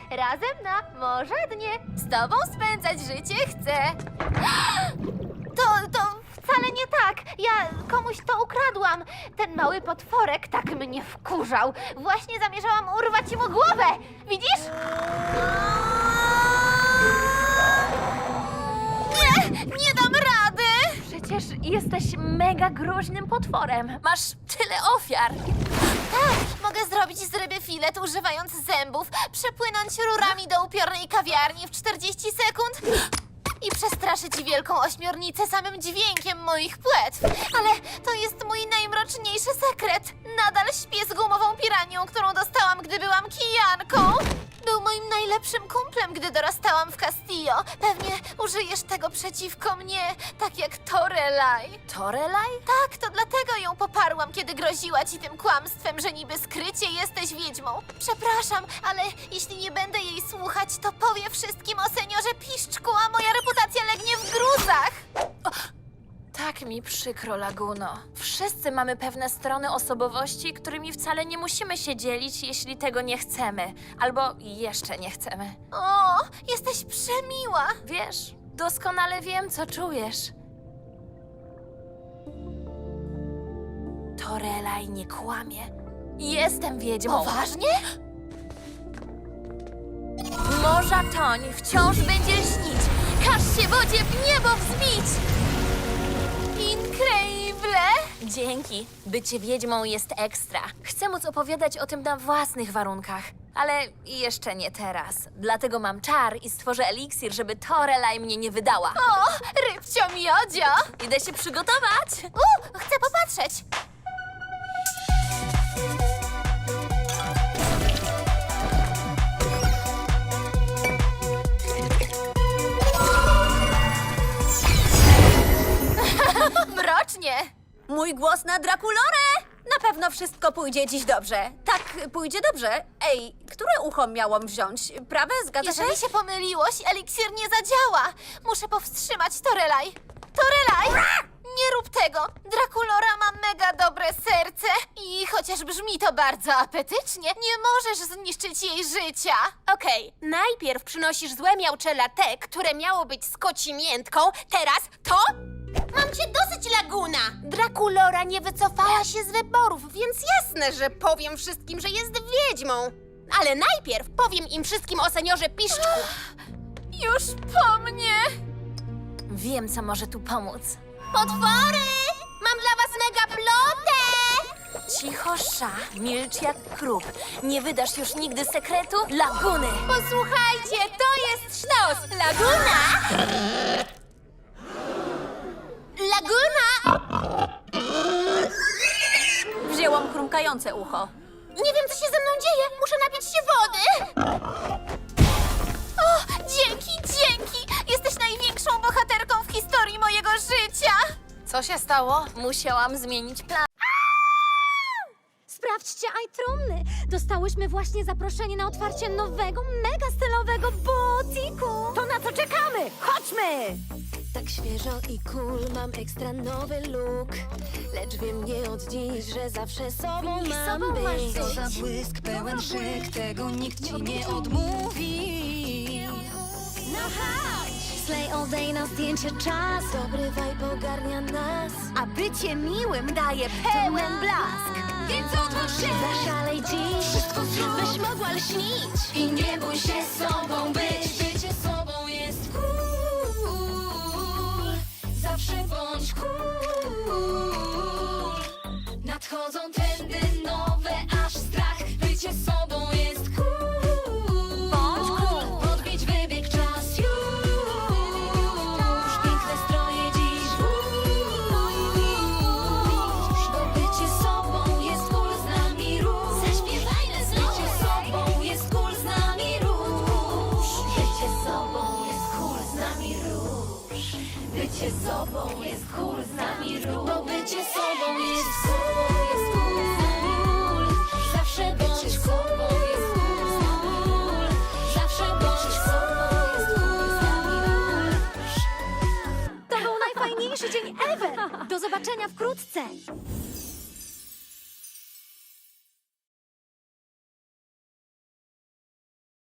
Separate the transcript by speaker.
Speaker 1: Razem na morze dnie. Z tobą spędzać życie chcę. To wcale nie tak. Ja komuś to ukradłam. Ten mały potworek tak mnie wkurzał. Właśnie zamierzałam urwać mu głowę. Widzisz? Nie dam rady!
Speaker 2: Przecież jesteś mega groźnym potworem. Masz tyle ofiar.
Speaker 1: Tak, mogę zrobić z ryby filet używając zębów, przepłynąć rurami do upiornej kawiarni w 40 sekund i przestraszyć wielką ośmiornicę samym dźwiękiem moich płetw. Ale to jest mój najmroczniejszy sekret. Nadal śpię z gumową piranią, którą dostałam, gdy byłam kijanką. Był moim najlepszym kumplem, gdy dorastałam w Castillo. Pewnie użyjesz tego przeciwko mnie, tak jak Torelaj.
Speaker 2: Torelaj?
Speaker 1: Tak, to dlatego ją poparłam, kiedy groziła ci tym kłamstwem, że niby skrycie jesteś wiedźmą. Przepraszam, ale jeśli nie będę jej słuchać, to powie wszystkim o seniorze Piszczku, a moja reputacja legnie w gruzach.
Speaker 2: Tak mi przykro, Laguno. Wszyscy mamy pewne strony osobowości, którymi wcale nie musimy się dzielić, jeśli tego nie chcemy. Albo jeszcze nie chcemy.
Speaker 1: O, jesteś przemiła.
Speaker 2: Wiesz, doskonale wiem, co czujesz. Torelaj nie kłamie. Jestem wiedźmą.
Speaker 1: Poważnie?
Speaker 2: Morza toń, wciąż będzie śnić. Każ się wodzie w niebo wzbić.
Speaker 1: Increíble!
Speaker 2: Dzięki. Bycie wiedźmą jest ekstra. Chcę móc opowiadać o tym na własnych warunkach. Ale jeszcze nie teraz. Dlatego mam czar i stworzę eliksir, żeby Torelaj mnie nie wydała.
Speaker 1: O, rybcio miodzio!
Speaker 2: Idę się przygotować.
Speaker 1: Chcę popatrzeć. Mrocznie!
Speaker 3: Mój głos na Drakulorę! Na pewno wszystko pójdzie dziś dobrze. Tak, pójdzie dobrze. Ej, które ucho miałam wziąć? Prawe, zgadza się?
Speaker 1: Jeżeli się pomyliłoś, eliksir nie zadziała. Muszę powstrzymać Torelaj. Torelaj! Nie rób tego! Drakulora ma mega dobre serce i chociaż brzmi to bardzo apetycznie, nie możesz zniszczyć jej życia.
Speaker 4: Okej, najpierw przynosisz złe miauczela te, które miało być z koci miętką, teraz to? Mam cię dosyć, Laguna! Drakulora nie wycofała się z wyborów, więc jasne, że powiem wszystkim, że jest wiedźmą. Ale najpierw powiem im wszystkim o seniorze Piszczku.
Speaker 1: Już po mnie!
Speaker 2: Wiem, co może tu pomóc.
Speaker 4: Potwory! Mam dla was mega plotę!
Speaker 2: Cicho, sza, milcz jak krób. Nie wydasz już nigdy sekretu Laguny.
Speaker 4: Posłuchajcie, to jest sztos! Laguna! Laguna!
Speaker 3: Wzięłam chrumkające ucho.
Speaker 4: Nie wiem, co się ze mną dzieje. Muszę napić się wody.
Speaker 1: O, dzięki! Jesteś największą bohaterką w historii mojego życia!
Speaker 2: Co się stało? Musiałam zmienić plan.
Speaker 5: Sprawdźcie iTrumny! Dostałyśmy właśnie zaproszenie na otwarcie nowego, mega stylowego butiku!
Speaker 3: To na co czekamy? Chodźmy!
Speaker 6: Tak świeżo i cool, mam ekstra nowy look. Lecz wiem nie od dziś, że zawsze sobą mam być.
Speaker 7: Co za błysk, pełen szyk, tego nikt ci nie odmówi.
Speaker 6: No chodź!
Speaker 5: Slay all day na zdjęcie czas!
Speaker 6: Dobry vibe ogarnia nas.
Speaker 3: A bycie miłym daje pełen blask.
Speaker 7: Więc odważ się,
Speaker 6: Zaszalej dziś,
Speaker 7: wszystko zrób,
Speaker 6: byś mogła lśnić.
Speaker 7: i nie bój się sobą być. Bycie sobą jest cool. Zawsze bądź cool. Nadchodzą trendy nowe, aż strach. Bycie sobą jest cool.
Speaker 3: Bądź cool.
Speaker 7: Podbić wybieg czas już. Piękne stroje dziś włóż. Bo bycie sobą jest cool, z nami rusz. Zaśpiewajmy znowu. Bycie sobą jest cool, z nami rusz. Bycie sobą jest cool, z nami rusz. Bycie sobą jest cool, z nami rusz. Bo bycie sobą jest cool, z nami rusz. Zawsze bądź sobą jest cool, z nami rusz. Zawsze bądź sobą jest cool, z nami rusz.
Speaker 5: To był najfajniejszy dzień ever! Do zobaczenia wkrótce!